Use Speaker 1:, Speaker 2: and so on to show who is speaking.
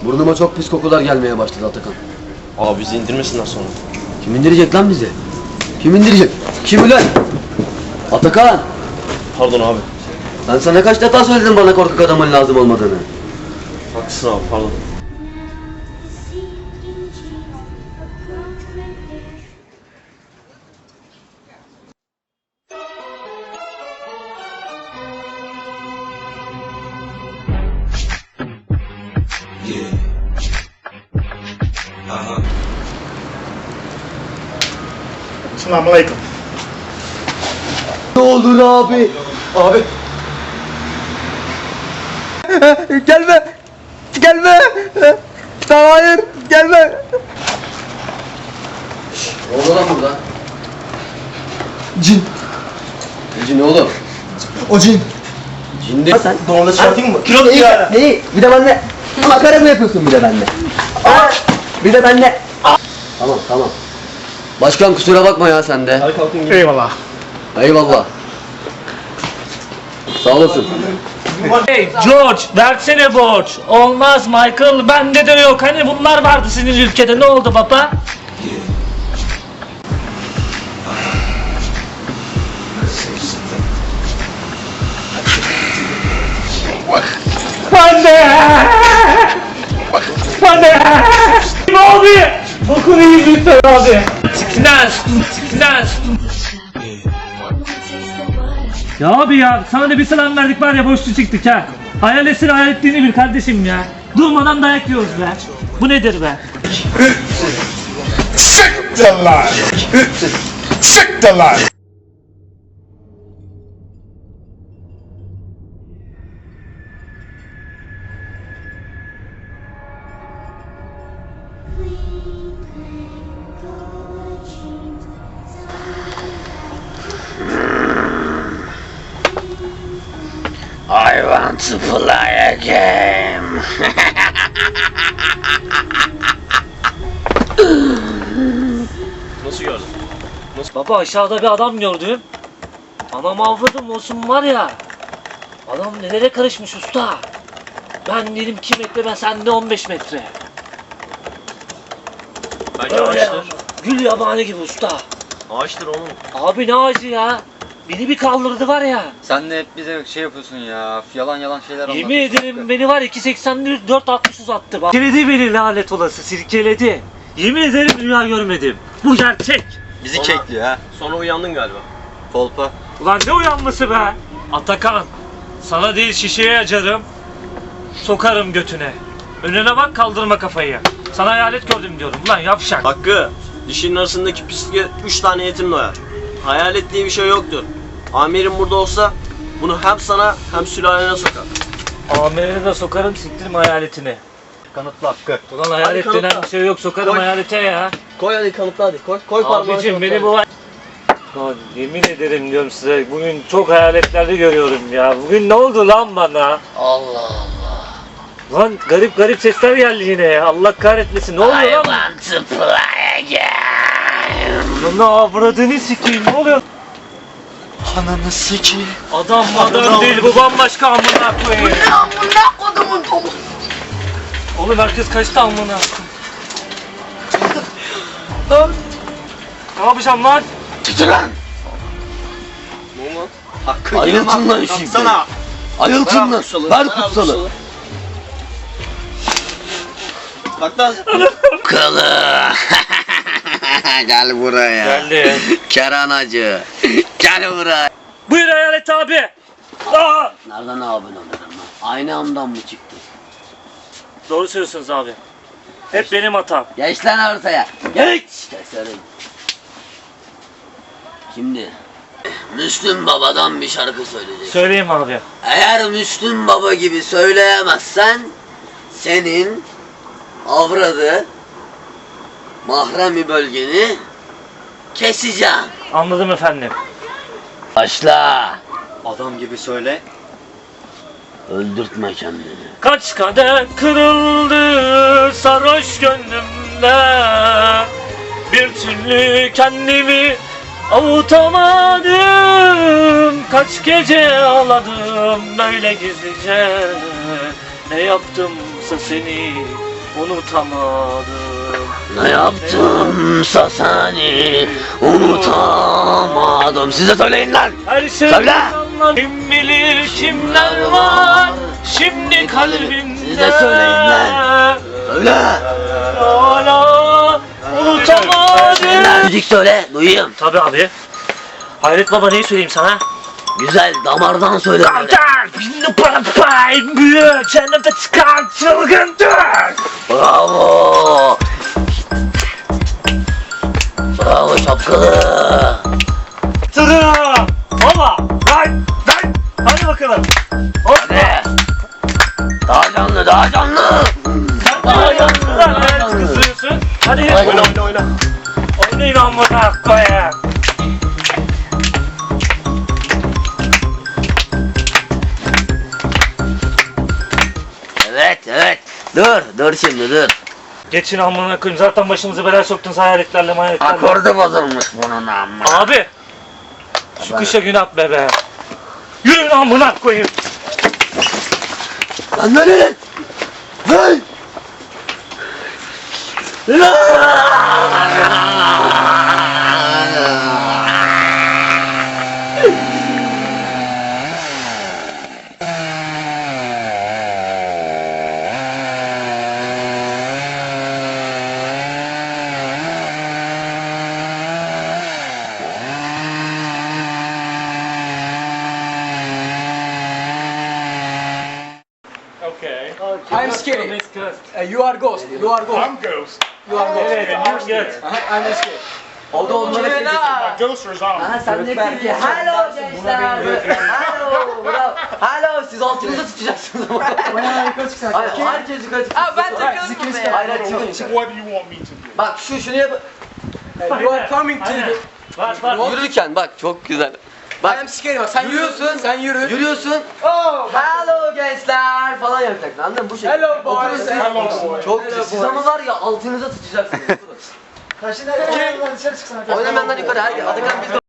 Speaker 1: Burnuma çok pis kokular gelmeye başladı Atakan.
Speaker 2: Abi bizi indirmesinler sonra.
Speaker 1: Kim indirecek lan bizi? Kim indirecek? Kim ulan? Atakan!
Speaker 2: Pardon abi.
Speaker 1: Ben sana kaç defa söyledim bana korkak adamın lazım olmadığını.
Speaker 2: Haklısın abi, pardon.
Speaker 3: Selamünaleyküm.
Speaker 1: Ne olur abi?
Speaker 3: Abi.
Speaker 1: Gelme! Gelme! Hayır! Gelme! Ne oldu lan burada?
Speaker 3: Cin.
Speaker 1: Cin oğlum.
Speaker 3: O cin.
Speaker 1: Cin değil sen.
Speaker 3: Doğumda çıkartayım mı? Kilo
Speaker 1: İyi, neyi? Bir de benimle makara mı yapıyorsun bir de benimle? Bir de benimle. Tamam tamam. Başkan kusura bakma ya sen de.
Speaker 2: Hadi kalkın gidelim.
Speaker 3: Eyvallah.
Speaker 1: Eyvallah. Sağ olasın.
Speaker 4: Hey George versene borç. Olmaz Michael, bende de yok. Hani bunlar vardı sizin ülkede, ne oldu baba? Anne! Anne! Ne oldu? Bokunu iyi lütfen abi. Çıknaz! Çıknaz! Ya abi ya, sana da bir selam verdik var ya, boşlu çıktık ha. Hayal etsin, hayal ettiğini bil kardeşim ya. Durmadan dayak yiyoruz be. Bu nedir be?
Speaker 3: Sick the line. Sick the line.
Speaker 5: I want to play a game.
Speaker 2: Nasıl gördün?
Speaker 4: Baba aşağıda bir adam gördüm. Anam avladım olsun var ya. Adam nelere karışmış usta. Ben dedim 2 metre, ben sende 15 metre.
Speaker 2: Bence
Speaker 4: Öyle
Speaker 2: ağaçtır.
Speaker 4: gül yabani gibi usta.
Speaker 2: Ağaçtır oğlum.
Speaker 4: Abi ne ağacı ya. Beni bir kaldırdı var ya.
Speaker 6: Sen de hep bize şey yapıyorsun ya, yalan yalan şeyler
Speaker 4: Yemin
Speaker 6: anlatıyorsun.
Speaker 4: ederim beni var 2.80'li 4.60 uzattı bak. Sirkeledi beni lanet olası, sirkeledi. Yemin ederim dünya görmedim. Bu gerçek.
Speaker 6: Bizi
Speaker 2: Sonra-
Speaker 6: kekliyor ha.
Speaker 2: Sonra uyandın galiba.
Speaker 6: Kolpa.
Speaker 4: Ulan ne uyanması be. Atakan, sana değil şişeye acarım. Sokarım götüne. Önüne bak, kaldırma kafayı. Sana hayalet gördüm diyorum. Ulan yavşak.
Speaker 2: Hakkı, dişinin arasındaki pisliğe 3 tane yetim doyar. Hayalet diye bir şey yoktur. Amirim burada olsa bunu hem sana hem sülalene sokar.
Speaker 4: Amirine de sokarım, siktirim hayaletini.
Speaker 6: Kanıtlı Hakkı.
Speaker 4: Ulan hayalet
Speaker 2: Hadi
Speaker 4: denen
Speaker 2: kanıtla.
Speaker 4: bir şey yok, sokarım
Speaker 2: Koy.
Speaker 4: hayalete ya.
Speaker 2: Koy hadi kanıtla hadi. Koy parmağını
Speaker 4: Abicim
Speaker 2: kanıtla.
Speaker 4: beni bu... Lan yemin ederim diyorum size, bugün çok hayaletlerde görüyorum ya. Bugün ne oldu lan bana?
Speaker 5: Allah Allah.
Speaker 4: Lan garip garip sesler geldi yine ya. Allah kahretmesin. Ne oluyor
Speaker 5: I
Speaker 4: lan?
Speaker 5: want to play a game.
Speaker 4: Lan ne avradını sikeyim, ne oluyor?
Speaker 6: Ananı sikeyim.
Speaker 4: Adam adam değil, bu bambaşka amına koyayım.
Speaker 5: Amına kodumun topu.
Speaker 4: Oğlum herkes kaçtı amına. Lan. Ne yapacağım lan?
Speaker 5: Tutu lan.
Speaker 2: Ne oldu lan?
Speaker 6: Hakkı
Speaker 1: Ayıltın lan şimdi.
Speaker 2: Kalksana.
Speaker 1: Ayıltın lan. Ver kutsalı.
Speaker 2: Kalk lan.
Speaker 5: Kılı. Gel buraya.
Speaker 4: Geldi.
Speaker 5: Keranacı. Gel buraya.
Speaker 4: Buyur hayalet abi. Aa!
Speaker 1: Nereden abone olurum lan? Aynı amdan mı çıktı?
Speaker 4: Doğru söylüyorsunuz abi. Hep benim hatam.
Speaker 1: Geç lan ortaya. Geç. Keserim. Şimdi Müslüm Baba'dan bir şarkı söyleyecek.
Speaker 4: Söyleyeyim abi.
Speaker 1: Eğer Müslüm Baba gibi söyleyemezsen senin avradı mahremi bölgeni keseceğim.
Speaker 4: Anladım efendim.
Speaker 1: Başla.
Speaker 6: Adam gibi söyle.
Speaker 1: Öldürtme kendini.
Speaker 4: Kaç kadeh kırıldı sarhoş gönlümde. Bir türlü kendimi avutamadım. Kaç gece ağladım böyle gizlice. Ne yaptımsa seni unutamadım.
Speaker 5: Ne yaptımsa seni unutamadım. Siz de söyleyin lan.
Speaker 4: Her şey
Speaker 5: Söyle.
Speaker 4: kim bilir kimler var şimdi kalbimde.
Speaker 5: Siz de söyleyin lan. Söyle.
Speaker 4: Hala unutamadım.
Speaker 5: Müzik söyle duyayım.
Speaker 4: Tabii abi. Hayret baba neyi söyleyeyim sana?
Speaker 5: Güzel damardan söyle.
Speaker 4: Cennete çıkan çılgındır.
Speaker 5: Bravo. Bravo şapkalı.
Speaker 4: Tıra. Baba. Lan. Hadi bakalım.
Speaker 5: Hadi. Daha canlı daha canlı. Daha canlı daha canlı.
Speaker 4: Kızıyorsun. Hadi.
Speaker 5: Hadi.
Speaker 2: Oyna.
Speaker 4: Oynayın amına koyayım.
Speaker 5: Evet. Dur şimdi dur.
Speaker 4: Geçin amına koyayım. Zaten başımızı belaya soktunuz hayaletlerle mayaletlerle.
Speaker 5: Akordu bozulmuş bunun amma.
Speaker 4: Abi. Şu kışa gün at be. Yürüyün amına koyayım.
Speaker 5: Lan böyle lan. Lan.
Speaker 6: Okay.
Speaker 7: I'm scary. You are ghost. You are ghost.
Speaker 3: I'm Ghost.
Speaker 7: You are ghost.
Speaker 4: Evet, evet.
Speaker 7: I'm scary.
Speaker 1: O da onlara
Speaker 3: My ghost or zombie?
Speaker 1: Ha sen de Türkiye. Hello gençler. Hello. Bravo. Hello. Siz altınızı tutacaksınız ama. Hayır, herkes yukarı çıksın.
Speaker 7: Aa, ben takıyorum buraya.
Speaker 1: Hayır, hayır, çıkın
Speaker 3: So
Speaker 1: yukarı.
Speaker 3: what do you want me to do?
Speaker 1: Bak şunu yap.
Speaker 7: You are coming to
Speaker 4: Aynen.
Speaker 7: the...
Speaker 4: Var.
Speaker 1: Yürürken bak çok güzel.
Speaker 7: I
Speaker 1: Bak
Speaker 7: am scary. Bak sen yürüyorsun. Sen yürü.
Speaker 1: yürüyorsun.
Speaker 7: Oh.
Speaker 1: Hello gençler falan yapacaksın anladın mı? Bu şekilde.
Speaker 7: Hello boys.
Speaker 1: Oturursun.
Speaker 3: Hello boy.
Speaker 1: Çok güzel. Siz ama var ya altınıza tutacaksınız. Oynamayanlar yukarı. Hadi Atakan biz de